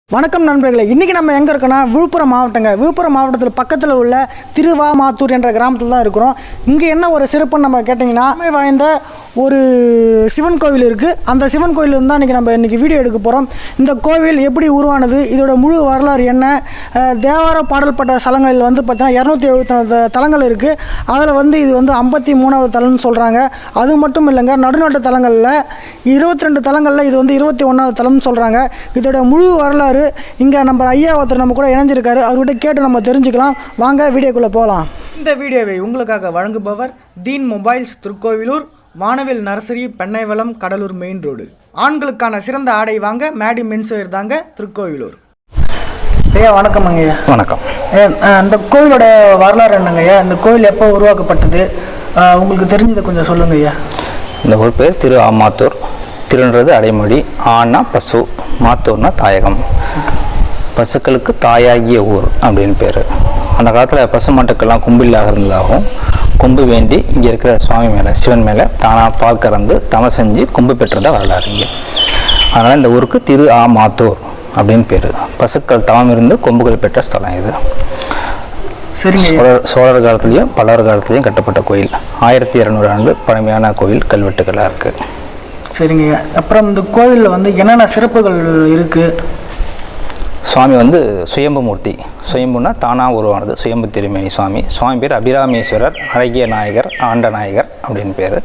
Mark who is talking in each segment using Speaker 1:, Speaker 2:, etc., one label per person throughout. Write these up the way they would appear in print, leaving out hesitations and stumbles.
Speaker 1: வணக்கம் நண்பர்களே, இன்றைக்கி நம்ம எங்கே இருக்கோன்னா விழுப்புரம் மாவட்டங்க. விழுப்புரம் மாவட்டத்தில் பக்கத்தில் உள்ள திருவாமாத்தூர் என்ற கிராமத்தில் தான் இருக்கிறோம். இங்கே என்ன ஒரு சிறப்புன்னு நம்ம கேட்டிங்கன்னா, வாய்ந்த ஒரு சிவன் கோவில் இருக்குது. அந்த சிவன் கோவில் தான் இன்றைக்கி வீடியோ எடுக்க போகிறோம். இந்த கோவில் எப்படி உருவானது, இதோட முழு வரலாறு என்ன, தேவார பாடல்பட்ட ஸ்தலங்களில் பார்த்தீங்கன்னா 274 தலங்கள் இருக்குது. அதில் இது 53வது தலம்னு சொல்கிறாங்க. அது மட்டும் இல்லைங்க, நடுநாட்டு தலங்களில் 22 தலங்களில் இது 21வது தலம்னு சொல்கிறாங்க. இதோட முழு வரலாறு இங்கே நம்ம ஐயா ஒருத்தர் நம்ம கூட இணைஞ்சிருக்காரு. அவர்கிட்ட கேட்டு நம்ம தெரிஞ்சுக்கலாம். வாங்க வீடியோக்குள்ளே போகலாம். இந்த வீடியோவை உங்களுக்காக வழங்குபவர் தீன் mobiles, Tirukkoyilur, Vanavil nursery, Pennaivalam, Cuddalore main road. ஆண்களுக்கான சிறந்த ஆடை வாங்க மேடி மென்ஸ்வேர் தாங்க, திருக்கோவிலூர். ஐயா வணக்கம். ஐயா
Speaker 2: வணக்கம்.
Speaker 1: அந்த கோவிலோட வரலாறு என்னங்க ஐயா? இந்த கோவில் எப்போ உருவாக்கப்பட்டது, உங்களுக்கு தெரிஞ்சதை கொஞ்சம் சொல்லுங்க ஐயா.
Speaker 2: இந்த ஊர் பேர் திரு ஆமாத்தூர். திருன்றது அடைமொழி, ஆனா பசு, மாத்தூர்னா தாயகம். பசுக்களுக்கு தாயாகிய ஊர் அப்படின்னு பேர். அந்த காலத்தில் பசு மாட்டுக்கெல்லாம் கும்பில்லாக இருந்ததாகவும், கொம்பு வேண்டி இங்கே இருக்கிற சுவாமி மேலே, சிவன் மேலே தானாக பால் கறந்து தமம் செஞ்சு கொம்பு பெற்றதாக வரலாறு இங்கே. அதனால் இந்த ஊருக்கு திரு ஆமாத்தூர் அப்படின்னு பேர். பசுக்கள் தவம் இருந்து கொம்புகள் பெற்ற ஸ்தலம் இது.
Speaker 1: சரிங்க.
Speaker 2: சோழர் காலத்துலேயும் பல்லவர் காலத்துலேயும் கட்டப்பட்ட கோயில். 1200 ஆண்டு பழமையான கோயில், கல்வெட்டுகளாக இருக்குது.
Speaker 1: சரிங்க. அப்புறம் இந்த கோவிலில் என்னென்ன சிறப்புகள் இருக்குது?
Speaker 2: சுவாமி சுயம்பு மூர்த்தி. சுயம்புனா தானாக உருவானது. சுயம்பு திருமேனி சுவாமி. சுவாமி பேர் அபிராமேஸ்வரர், அழகிய நாயகர், ஆண்ட நாயகர் அப்படின்னு பேர்.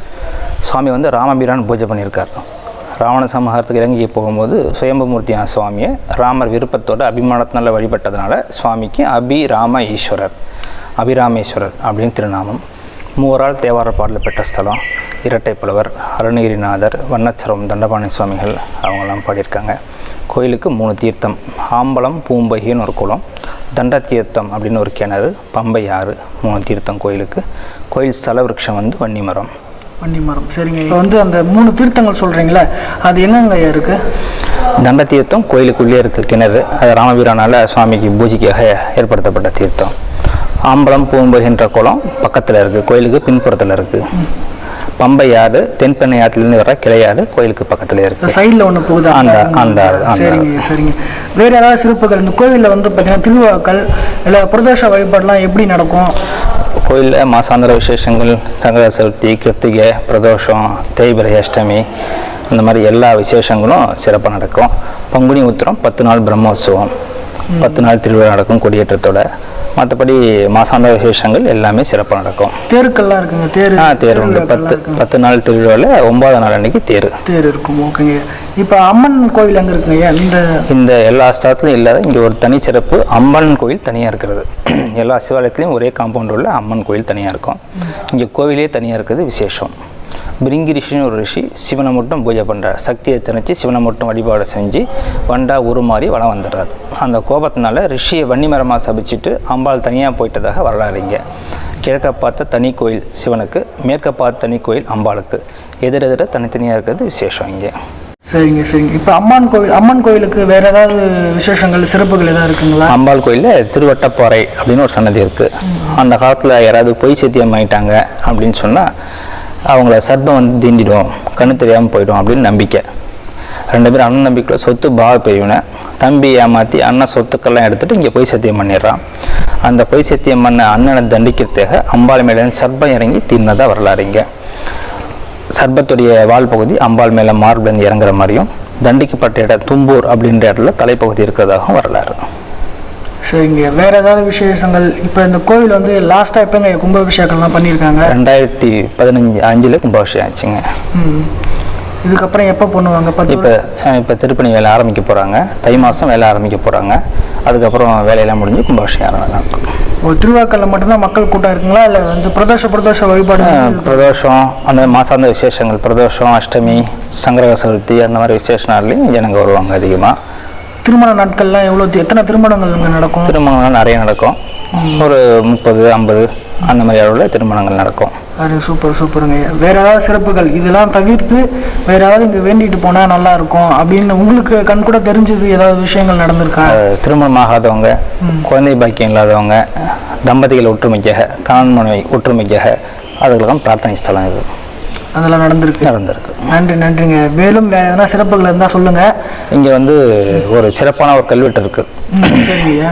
Speaker 2: சுவாமி ராமபிரான் பூஜை பண்ணியிருக்கார். ராவண சமூகத்துக்கு இறங்கி போகும்போது சுயம்பு மூர்த்தியான சுவாமியை ராமர் விருப்பத்தோடு அபிமானத்தினால வழிபட்டதுனால சுவாமிக்கு அபிராம ஈஸ்வரர், அபிராமேஸ்வரர் அப்படின்னு திருநாமம். மூவரால் தேவார பாடல் பெற்ற ஸ்தலம். இரட்டை புலவர், அருணகிரிநாதர், வண்ணச்சரம், தண்டபாணி சுவாமிகள் அவங்கெல்லாம் பாடியிருக்காங்க. கோயிலுக்கு 3 தீர்த்தம். ஆம்பலம், பூம்பகின்னு ஒரு குளம், தண்ட தீர்த்தம் அப்படின்னு ஒரு கிணறு, பம்பை ஆறு, 3 தீர்த்தம் கோயிலுக்கு. கோயில் ஸ்தல விருட்சம் வன்னிமரம்.
Speaker 1: வன்னிமரம். சரிங்க. இப்போ அந்த 3 தீர்த்தங்கள் சொல்கிறீங்களா, அது என்னங்க இருக்குது?
Speaker 2: தண்ட தீர்த்தம் கோயிலுக்குள்ளே இருக்குது கிணறு. அது ராமபிரானால் சுவாமிக்கு பூஜைக்காக ஏற்படுத்தப்பட்ட தீர்த்தம். ஆம்பலம், பூம்பகின்ற குளம் பக்கத்தில் இருக்குது, கோயிலுக்கு பின்புறத்தில் இருக்குது. பம்பை ஆறு தென்பெண்ணை ஆற்றிலிருந்து வர கிளையாறு கோயிலுக்கு பக்கத்துல இருக்கு.
Speaker 1: சைடில் ஒன்று போகுது அந்த. சரிங்க சரிங்க. வேறு ஏதாவது சிறப்புகள் இந்த கோவிலில் பார்த்தீங்கன்னா திருவிழாக்கள் இல்லை பிரதோஷ வழிபாடுலாம் எப்படி நடக்கும்?
Speaker 2: கோயிலில் மாசாந்திர விசேஷங்கள், சங்கர சதுர்த்தி, கிருத்திகை, பிரதோஷம், தேய்பிரை, அஷ்டமி, இந்த மாதிரி எல்லா விசேஷங்களும் சிறப்பாக நடக்கும். பங்குனி உத்திரம் 10 நாள் பிரம்மோற்சவம், 10 நாள் திருவிழா நடக்கும் கொடியேற்றத்தோட. மற்றபடி மாசாந்திர விசேஷங்கள் எல்லாமே சிறப்பாக நடக்கும்.
Speaker 1: தேருக்கெல்லாம் இருக்குங்க.
Speaker 2: தேர் உண்டு. 10 நாள் திருவிழாவில் 9ஆவது நாள் அன்னைக்கு தேர்
Speaker 1: இருக்கும். ஓகேங்க. இப்போ அம்மன் கோவில் எங்கே இருக்குங்க?
Speaker 2: இந்த எல்லா ஸ்தலத்துலையும் இல்லாத இங்கே ஒரு தனி சிறப்பு, அம்மன் கோயில் தனியாக இருக்கிறது. எல்லா சிவாலயத்துலேயும் ஒரே காம்பவுண்ட் உள்ள அம்மன் கோயில் தனியாக இருக்கும். இங்கே கோவிலே தனியாக இருக்கிறது விசேஷம். பிரிங்கி ரிஷின்னு ஒரு ரிஷி சிவனை மட்டும் பூஜை பண்ணுறார். சக்தியை திணிச்சு சிவனை மட்டும் வழிபாடு செஞ்சு வண்டா உருமாறி வளம் வந்துடுறார். அந்த கோபத்தினால ரிஷியை வன்னிமரமாக சபிச்சுட்டு அம்பாள் தனியாக போயிட்டதாக வரலாறு இங்கே. கிழக்க பார்த்த தனி கோயில் சிவனுக்கு, மேற்க பார்த்த தனி கோயில் அம்பாளுக்கு. எதிரெதிர தனித்தனியாக இருக்கிறது விசேஷம் இங்கே.
Speaker 1: சரிங்க சரிங்க. இப்போ அம்மன் கோயிலுக்கு வேறு ஏதாவது விசேஷங்கள், சிறப்புகள் ஏதாவது இருக்குங்களா?
Speaker 2: அம்பாள் கோயிலில் திருவட்டப்பாறை அப்படின்னு ஒரு சன்னதி இருக்குது. அந்த காலத்தில் யாராவது பொய் சத்தியம் ஆகிட்டாங்க அப்படின்னு சொன்னால் அவங்கள சர்ப்பம் தீண்டிடும், கண்ணு தெரியாமல் போயிடும் அப்படின்னு நம்பிக்கை. 2 பேரும் அண்ணன் நம்பிக்கையில் சொத்து பாவ பிரிவினை. தம்பி ஏமாற்றி அண்ணன் சொத்துக்கெல்லாம் எடுத்துகிட்டு இங்கே பொய் சத்தியம் பண்ணிடுறான். அந்த பொய் சத்தியம் பண்ண அண்ணனை தண்டிக்கிறதுக்காக அம்பாள் மேலே சர்ப்பம் இறங்கி தீர்னதாக வரலாறு இங்கே. சர்ப்பத்துடைய வால் பகுதி அம்பாள் மேலே மார்பிலேருந்து இறங்குற மாதிரியும், தண்டிக்கப்பட்ட இடம் தும்பூர் அப்படின்ற இடத்துல தலைப்பகுதி இருக்கிறதாகவும் வரலாறு.
Speaker 1: சரிங்க. வேறு ஏதாவது விசேஷங்கள்? இப்போ இந்த கோவில் லாஸ்ட்டாக எப்போங்க கும்பாபிஷேகம்லாம் பண்ணியிருக்காங்க?
Speaker 2: 2015 கும்பாபிஷேகம் ஆச்சுங்க.
Speaker 1: இதுக்கப்புறம் எப்போ பண்ணுவாங்க?
Speaker 2: இப்போ திருப்பணி வேலை ஆரம்பிக்க போகிறாங்க. தை மாதம் வேலை ஆரம்பிக்க போகிறாங்க. அதுக்கப்புறம் வேலையெல்லாம் முடிஞ்சு கும்பாபிஷேகம் நடக்கும்.
Speaker 1: திருவிழாக்களில் மட்டும்தான் மக்கள் கூட்டம் இருக்குங்களா, இல்லை பிரதோஷ வழிபாடு?
Speaker 2: பிரதோஷம், அந்த மாசாந்த விசேஷங்கள், பிரதோஷம், அஷ்டமி, சங்கர சதுர்த்தி, அந்த மாதிரி விசேஷ நாள்லையும் ஜனங்க வருவாங்க அதிகமாக.
Speaker 1: திருமண நாட்கள்லாம் எத்தனை திருமணங்கள் இங்கே நடக்கும்?
Speaker 2: திருமணங்கள் நிறைய நடக்கும். ஒரு 30, 50 அந்த மாதிரி அளவில் திருமணங்கள் நடக்கும்.
Speaker 1: சூப்பருங்க. வேறு ஏதாவது சிறப்புகள் இதெல்லாம் தவிர்த்து வேறு ஏதாவது இங்கே வேண்டிட்டு போனால் நல்லா இருக்கும் அப்படின்னு உங்களுக்கு கண் கூட தெரிஞ்சது ஏதாவது விஷயங்கள் நடந்திருக்கா?
Speaker 2: திருமணம் ஆகாதவங்க, குழந்தை பாக்கியம் இல்லாதவங்க, தம்பதிகள் ஒற்றுமைக்காக, கணவன் மனைவி ஒற்றுமைக்காக அதுக்கெல்லாம் பிரார்த்தனை ஸ்தலம் இது.
Speaker 1: அதெல்லாம் நடந்திருக்கு. நன்றிங்க. மேலும் வேறு எதனா சிறப்புகள் இருந்தால் சொல்லுங்கள்.
Speaker 2: இங்கே வந்து ஒரு சிறப்பான ஒரு கல்வெட்டு இருக்குது.
Speaker 1: சரிங்க.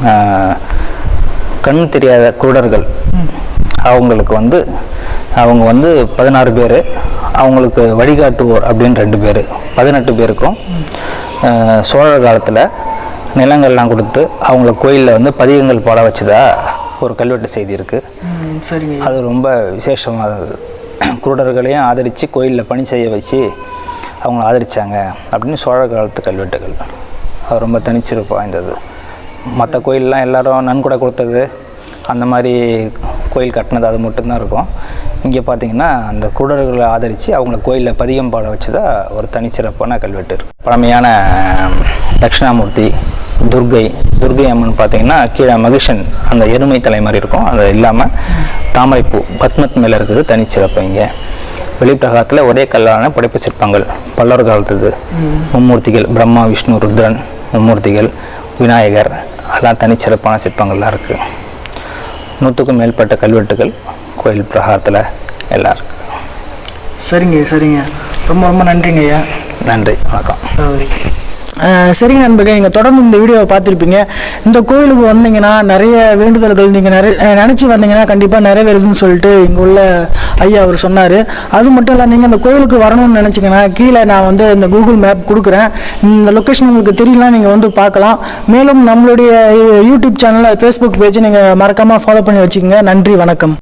Speaker 2: கண் தெரியாத குருடர்கள் அவங்களுக்கு வந்து அவங்க வந்து 16 பேர், அவங்களுக்கு வழிகாட்டுவோர் அப்படின்னு 2 பேர், 18 பேருக்கும் சோழர் காலத்தில் நிலங்கள்லாம் கொடுத்து அவங்கள கோயிலில் வந்து பதிகங்கள் பாட வச்சதா ஒரு கல்வெட்டு செய்தி இருக்குது.
Speaker 1: சரிங்க.
Speaker 2: அது ரொம்ப விசேஷமானது. குருடர்களையும் ஆதரித்து கோயிலில் பணி செய்ய வச்சு அவங்கள ஆதரித்தாங்க அப்படின்னு சோழர் காலத்து கல்வெட்டுகள். அது ரொம்ப தனிச்சிறப்பு வாய்ந்தது. மற்ற கோயிலெலாம் எல்லோரும் நன்கொடை கொடுத்தது அந்த மாதிரி கோயில் கட்டினது அது மட்டும்தான் இருக்கும். இங்கே பார்த்திங்கன்னா அந்த குருடர்களை ஆதரித்து அவங்கள கோயிலில் பதிகம் பாட வச்சதா ஒரு தனிச்சிறப்பான கல்வெட்டு இருக்குது. பழமையான தட்சிணாமூர்த்தி, துர்கை அம்மன் பார்த்திங்கன்னா கீழே மகிஷன் அந்த எருமை தலை மாதிரி இருக்கும், அது இல்லாமல் தாமரைப்பூ பத்மத் மேலே இருக்குது தனிச்சிறப்பு. இங்கே வெளிப்பிரகாரத்தில் ஒரே கல்லான படைப்பு சிற்பங்கள் பல்லவர் காலத்துது. மும்மூர்த்திகள் பிரம்மா, விஷ்ணு, ருத்ரன் மும்மூர்த்திகள், விநாயகர், அதெல்லாம் தனிச்சிறப்பான சிற்பங்கள்லாம் இருக்குது. 100க்கும் மேற்பட்ட கல்வெட்டுகள் கோயில் பிரகாரத்தில் எல்லாம் இருக்குது.
Speaker 1: சரிங்க. ரொம்ப நன்றிங்க ஐயா.
Speaker 2: நன்றி, வணக்கம்.
Speaker 1: சரிங்க நண்பர்களே, நீங்கள் தொடர்ந்து இந்த வீடியோவை பார்த்துருப்பீங்க. இந்த கோயிலுக்கு வந்தீங்கன்னா நிறைய வேண்டுதல்கள் நீங்கள் நினச்சி வந்தீங்கன்னா கண்டிப்பாக நிறைவேறுதுன்னு சொல்லிட்டு இங்கே உள்ள ஐயா அவர் சொன்னார். அது மட்டும் இல்லை, நீங்கள் இந்த கோயிலுக்கு வரணும்னு நினச்சிங்கன்னா கீழே நான் வந்து இந்த கூகுள் மேப் கொடுக்குறேன். இந்த லொக்கேஷன் உங்களுக்கு தெரியலாம், நீங்கள் வந்து பார்க்கலாம். மேலும் நம்மளுடைய யூடியூப் சேனலில் ஃபேஸ்புக் பேஜை நீங்கள் மறக்காமல் ஃபாலோ பண்ணி வச்சுக்கோங்க. நன்றி, வணக்கம்.